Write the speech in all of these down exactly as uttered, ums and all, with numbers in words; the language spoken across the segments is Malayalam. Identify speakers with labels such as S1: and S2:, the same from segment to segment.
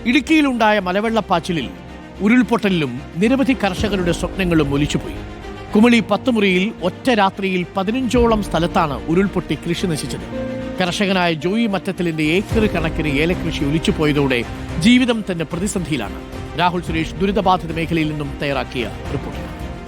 S1: ഇടുക്കിയിലുണ്ടായ മലവെള്ളപ്പാച്ചിലിൽ ഉരുൾപൊട്ടലിലും നിരവധി കർഷകരുടെ സ്വപ്നങ്ങളും ഒലിച്ചുപോയി. കുമളി പത്തുമുറിയിൽ ഒറ്റ രാത്രിയിൽ പതിനഞ്ചോളം സ്ഥലത്താണ് ഉരുൾപൊട്ടി കൃഷി നശിച്ചത്. കർഷകനായ ജോയി മറ്റത്തിലിന്റെ ഏക്കർ കണക്കിന് ഏലകൃഷി ഒലിച്ചുപോയതോടെ ജീവിതം തന്നെ പ്രതിസന്ധിയിലാണ്. രാഹുൽ സുരേഷ് ദുരിതബാധിത മേഖലയിൽ നിന്നും തയ്യാറാക്കിയ റിപ്പോർട്ട്.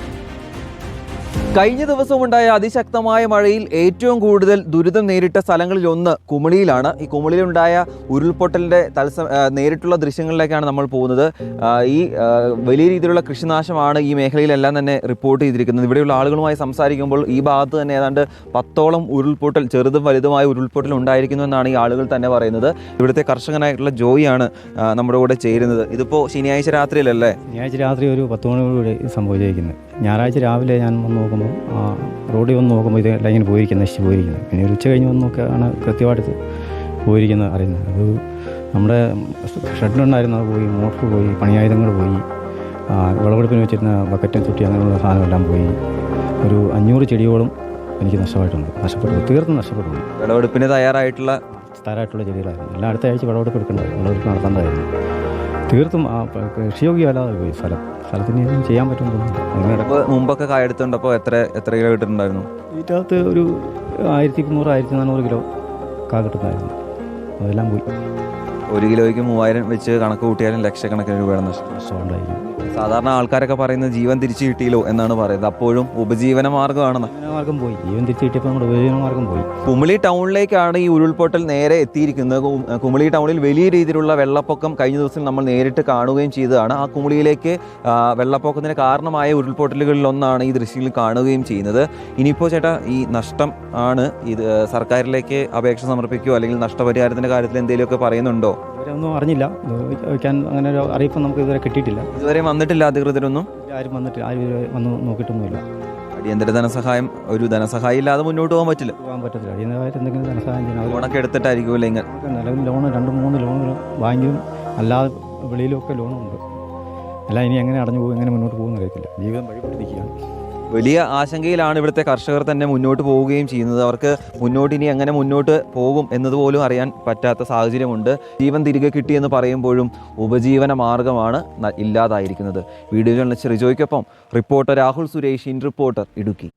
S2: കഴിഞ്ഞ ദിവസമുണ്ടായ അതിശക്തമായ മഴയിൽ ഏറ്റവും കൂടുതൽ ദുരിതം നേരിട്ട സ്ഥലങ്ങളിൽ ഒന്ന് കുമളിയിലാണ്. ഈ കുമളിയിലുണ്ടായ ഉരുൾപൊട്ടലിൻ്റെ തത്സ നേരിട്ടുള്ള ദൃശ്യങ്ങളിലേക്കാണ് നമ്മൾ പോകുന്നത്. ഈ വലിയ രീതിയിലുള്ള കൃഷിനാശമാണ് ഈ മേഖലയിലെല്ലാം തന്നെ റിപ്പോർട്ട് ചെയ്തിരിക്കുന്നത്. ഇവിടെയുള്ള ആളുകളുമായി സംസാരിക്കുമ്പോൾ ഈ ഭാഗത്ത് തന്നെ ഏതാണ്ട് പത്തോളം ഉരുൾപൊട്ടൽ, ചെറുതും വലുതുമായ ഉരുൾപൊട്ടൽ ഉണ്ടായിരിക്കുന്നു എന്നാണ് ഈ ആളുകൾ തന്നെ പറയുന്നത്. ഇവിടുത്തെ കർഷകനായിട്ടുള്ള ജോയിയാണ് നമ്മുടെ കൂടെ ചേരുന്നത്. ഇതിപ്പോൾ ശനിയാഴ്ച രാത്രിയിലല്ലേ?
S3: ശനിയാഴ്ച രാത്രി ഒരു പത്ത് മണിയോടുകൂടി സംഭവിച്ചിരിക്കുന്നത്. ഞായറാഴ്ച രാവിലെ ഞാൻ വന്ന് നോക്കുമ്പോൾ റോഡിൽ വന്ന് നോക്കുമ്പോൾ ഇതെല്ലാം ഇങ്ങനെ പോയിരിക്കുന്നത്, നശിച്ച് പോയിരിക്കുന്നത്. പിന്നെ ഒരു ഉച്ച കഴിഞ്ഞ് വന്ന് നോക്കിയാണ് കൃത്യമായിട്ട് പോയിരിക്കുന്നത് അറിയുന്നത്. അത് നമ്മുടെ ഷെഡിലുണ്ടായിരുന്നത് പോയി, മോട്ടർ പോയി, പണിയായുധങ്ങൾ പോയി, വിളവെടുപ്പിന് വെച്ചിരുന്ന ബക്കറ്റും തൊട്ടി അങ്ങനെയുള്ള സാധനമെല്ലാം പോയി. ഒരു അഞ്ഞൂറ് ചെടിയോളം എനിക്ക് നഷ്ടമായിട്ടുണ്ട്, നഷ്ടപ്പെട്ടു, തീർത്തും നഷ്ടപ്പെട്ടു.
S2: വിളവെടുപ്പിന് തയ്യാറായിട്ടുള്ള
S3: തയ്യാറായിട്ടുള്ള ചെടികളായിരുന്നു. എല്ലാ അടുത്ത ആഴ്ച വിളവെടുപ്പ് എടുക്കേണ്ടത്, വിളവെടുപ്പ് നടത്തേണ്ടതായിരുന്നു. തീർത്തും ആ കൃഷിയോഗ്യമല്ലാതെ പോയി സ്ഥലം. സ്ഥലത്തിന് ഒന്നും ചെയ്യാൻ പറ്റുമെന്ന്
S2: മുമ്പൊക്കെ കായെടുത്തുണ്ടപ്പോൾ എത്ര എത്ര കിലോ കിട്ടുന്നുണ്ടായിരുന്നു?
S3: ഇതിനകത്ത് ഒരു ആയിരത്തി മുന്നൂറ് ആയിരത്തി നാനൂറ് കിലോ കാ കിട്ടുന്നതായിരുന്നു. അതെല്ലാം പോയി.
S2: ഒരു കിലോയ്ക്ക് മൂവായിരം വെച്ച് കണക്ക് കൂട്ടിയാലും ലക്ഷക്കണക്കിന് രൂപയുടെ നഷ്ടം ഉണ്ടായിരിക്കും. സാധാരണ ആൾക്കാരൊക്കെ പറയുന്നത് ജീവൻ തിരിച്ചു കിട്ടിയല്ലോ എന്നാണ് പറയുന്നത്. അപ്പോഴും ഉപജീവന മാർഗ്ഗമാണ്.
S3: മാർഗം പോയി, ജീവൻ തിരിച്ചു കിട്ടിയപ്പോൾ നമ്മുടെ ഉപജീവന മാർഗം പോയി.
S2: കുമളി ടൗണിലേക്കാണ് ഈ ഉരുൾപൊട്ടൽ നേരെ എത്തിയിരിക്കുന്നത്. കുമളി ടൗണിൽ വലിയ രീതിയിലുള്ള വെള്ളപ്പൊക്കം കഴിഞ്ഞ ദിവസം നമ്മൾ നേരിട്ട് കാണുകയും ചെയ്തതാണ്. ആ കുമളിയിലേക്ക് വെള്ളപ്പൊക്കത്തിന് കാരണമായ ഉരുൾപൊട്ടലുകളിലൊന്നാണ് ഈ ദൃശ്യങ്ങളിൽ കാണുകയും ചെയ്യുന്നത്. ഇനിയിപ്പോൾ ചേട്ടാ, ഈ നഷ്ടം ആണ് ഇത് സർക്കാരിലേക്ക് അപേക്ഷ സമർപ്പിക്കുകയോ അല്ലെങ്കിൽ നഷ്ടപരിഹാരത്തിൻ്റെ കാര്യത്തിൽ എന്തെങ്കിലുമൊക്കെ പറയുന്നുണ്ടോ?
S3: ഇവരൊന്നും അറിഞ്ഞില്ല, വയ്ക്കാൻ അങ്ങനെ ഒരു അറിയിപ്പ് നമുക്ക് ഇതുവരെ കിട്ടിയിട്ടില്ല.
S2: ഇതുവരെ വന്നിട്ടില്ല അധികൃതരൊന്നും?
S3: ആരും വന്നിട്ട് ആരും വന്ന് നോക്കിയിട്ടൊന്നുമില്ല.
S2: അടിയന്തര ധനസഹായം, ഒരു ധനസഹായം ഇല്ലാതെ മുന്നോട്ട് പോകാൻ പറ്റില്ല.
S3: പോകാൻ പറ്റത്തില്ല. അടിയന്തരമായിട്ട് എന്തെങ്കിലും ധനസഹായം ചെയ്യണം.
S2: ലോണൊക്കെ എടുത്തിട്ടായിരിക്കുമല്ലോ ഇങ്ങനെ?
S3: നിലവിൽ ലോണ് രണ്ട് മൂന്ന് ലോണുകൾ ബാങ്കിലും അല്ലാതെ വെളിയിലൊക്കെ ലോണുണ്ട്. എല്ലാം ഇനി എങ്ങനെ അടഞ്ഞു പോകും, എങ്ങനെ മുന്നോട്ട് പോകുമെന്ന് അറിയത്തില്ല. ജീവിതം വഴിപ്പെട്ടിരിക്കുകയാണ്.
S2: വലിയ ആശങ്കയിലാണ് ഇവിടുത്തെ കർഷകർ തന്നെ മുന്നോട്ട് പോവുകയും ചെയ്യുന്നത്. അവർക്ക് മുന്നോട്ട് ഇനി എങ്ങനെ മുന്നോട്ട് പോകും എന്നതുപോലും അറിയാൻ പറ്റാത്ത സാഹചര്യമുണ്ട്. ജീവൻ തിരികെ കിട്ടിയെന്ന് പറയുമ്പോഴും ഉപജീവന മാർഗമാണ് ഇല്ലാതായിരിക്കുന്നത്. വീഡിയോ ജേർണലിസ്റ്റ് റിജോയ്ക്കൊപ്പം റിപ്പോർട്ടർ രാഹുൽ സുരേഷ്, ഇൻ റിപ്പോർട്ടർ, ഇടുക്കി.